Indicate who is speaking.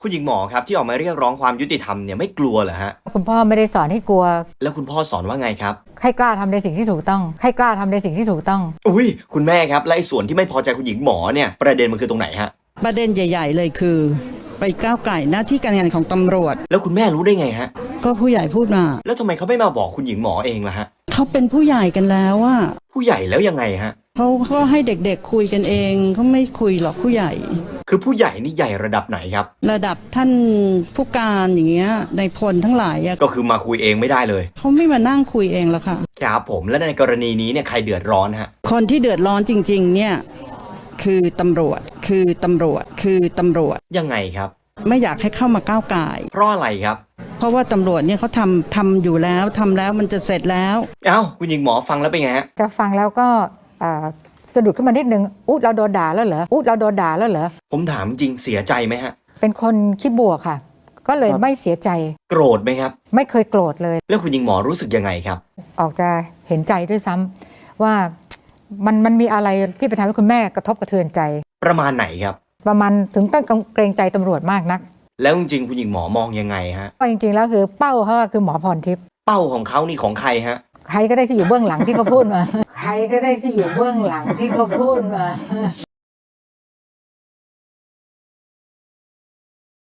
Speaker 1: คุณหญิงหมอครับที่ออกมาเรียกร้องความยุติธรรมเนี่ยไม่กลัวเหรอฮะ
Speaker 2: คุณพ่อไม่ได้สอนให้กลัว
Speaker 1: แล้วคุณพ่อสอนว่าไงครับ
Speaker 2: ให้กล้าทำในสิ่งที่ถูกต้องให้กล้าทำในสิ่งที่ถูกต้อง
Speaker 1: อุ้ยคุณแม่ครับและไอ้ส่วนที่ไม่พอใจคุณหญิงหมอเนี่ยประเด็นมันคือตรงไหนฮะ
Speaker 3: ประเด็นใหญ่ๆเลยคือไปก้าวไก่หน้าที่การงานของตำรวจ
Speaker 1: แล้วคุณแม่รู้ได้ไงฮะ
Speaker 3: ก็ผู้ใหญ่พูดมา
Speaker 1: แล้วทำไมเขาไม่มาบอกคุณหญิงหมอเองล่ะฮะ
Speaker 3: เขาเป็นผู้ใหญ่กันแล้วว่า
Speaker 1: ผู้ใหญ่แล้วยังไงฮะ
Speaker 3: เขาก็ให้เด็กๆคุยกันเองเขาไม่คุยหรอกผู้ใหญ่
Speaker 1: คือผู้ใหญ่นี่ใหญ่ระดับไหนครับ
Speaker 3: ระดับท่านผู้การอย่างเงี้ยในพลทั้งหลาย
Speaker 1: ก็คือมาคุยเองไม่ได้เลย
Speaker 3: เขาไม่มานั่งคุยเองแล้วค่ะ
Speaker 1: ครับผมและในกรณีนี้เนี่ยใครเดือดร้อนฮะ
Speaker 3: คนที่เดือดร้อนจริงๆเนี่ยคือตำรวจ
Speaker 1: ยังไงครับ
Speaker 3: ไม่อยากให้เข้ามาก้าวไก่
Speaker 1: เพราะอะไรครับ
Speaker 3: เพราะว่าตำรวจเนี่ยเขาทำอยู่แล้วทำแล้วมันจะเสร็จแล้ว
Speaker 1: เอ้าคุณหญิงหมอฟังแล้วเป็นไงฮะ
Speaker 2: จะฟังแล้วก็สะดุดขึ้นมานิดนึงเราโดนด่าแล้วเหรอเราโดนด่าแล้วเหรอ
Speaker 1: ผมถามจริงเสียใจไหมฮะ
Speaker 2: เป็นคนคิดบวกค่ะก็เลยไม่เสียใจ
Speaker 1: โกรธไหมครับ
Speaker 2: ไม่เคยโกรธเลย
Speaker 1: แล้วคุณหญิงหมอรู้สึกยังไงครับ
Speaker 2: ออกจะเห็นใจด้วยซ้ำว่ามันมีอะไรที่ไปทำให้คุณแม่กระทบกระเทือนใจ
Speaker 1: ประมาณไหนครับ
Speaker 2: ประมาณถึงต้องเกรงใจตำรวจมากนัก
Speaker 1: แล้วจริงๆคุณหญิงหมอมองยังไงฮะ
Speaker 2: ก็จริงๆแล้วคือเป้าเขาคือหมอพรทิพย์
Speaker 1: เป้าของเขานี่ของใครฮะ
Speaker 2: ใครก็ได้ที่อยู่เบื้องหลังที่เขาพูดมาใครก็ได้ที่อยู่เบื้องหลังที่เขาพูดมา